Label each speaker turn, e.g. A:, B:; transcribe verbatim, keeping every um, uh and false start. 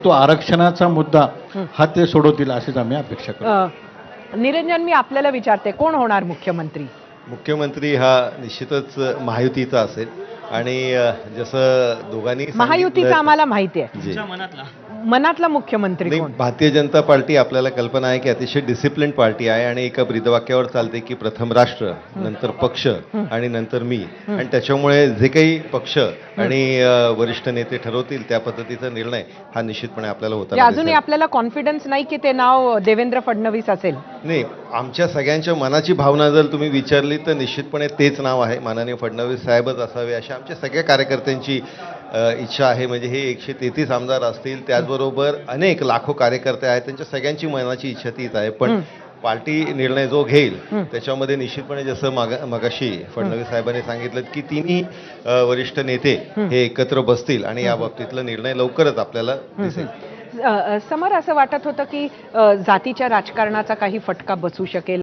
A: तो आरक्षणाचा मुद्दा हा ते सोडवतील अशीच आम्ही अपेक्षा करतो.
B: अ, निरंजन, मी आपल्याला विचारते, कोण होणार मुख्यमंत्री?
C: मुख्यमंत्री हा निश्चितच महायुतीचा असेल आणि अ, जसं दोघांनी
B: महायुतीचा
C: सांगितलं-
B: आम्हाला माहिती आहे.
C: जी.
B: मनातला मुख्यमंत्री
C: नाही,
B: कोण?
C: भारतीय जनता पार्टी आपल्याला कल्पना आहे की अतिशय डिसिप्लिन पार्टी आहे आणि एका ब्रीदवाक्यावर चालते की प्रथम राष्ट्र, नंतर पक्ष आणि नंतर मी. आणि त्याच्यामुळे जे काही पक्ष आणि अ, वरिष्ठ नेते ठरवतील त्या पद्धतीचा निर्णय हा निश्चितपणे आपल्याला
B: म्हणजे
C: होता.
B: अजूनही आपल्याला कॉन्फिडन्स नाही की ते नाव देवेंद्र फडणवीस असेल?
C: नाही, आमच्या सगळ्यांच्या मनाची भावना जर तुम्ही विचारली तर निश्चितपणे तेच नाव आहे, माननीय फडणवीस साहेबच असावे अशा आमच्या सगळ्या कार्यकर्त्यांची अ, इच्छा आहे. म्हणजे हे एकशे तेहतीस आमदार असतील, त्याचबरोबर अनेक लाखो कार्यकर्ते आहेत, त्यांच्या सगळ्यांची मनाची इच्छा तीच आहे. पण पार्टी निर्णय जो घेईल त्याच्यामध्ये निश्चितपणे जसं माग मगाशी फडणवीस साहेबांनी सांगितलं की तिन्ही अ, वरिष्ठ नेते हे एकत्र बसतील आणि या बाबतीतला निर्णय लवकरच आपल्याला दिसेल.
B: अ, अ, समर, असं वाटत होतं की अ, जातीच्या राजकारणाचा काही फटका बसू शकेल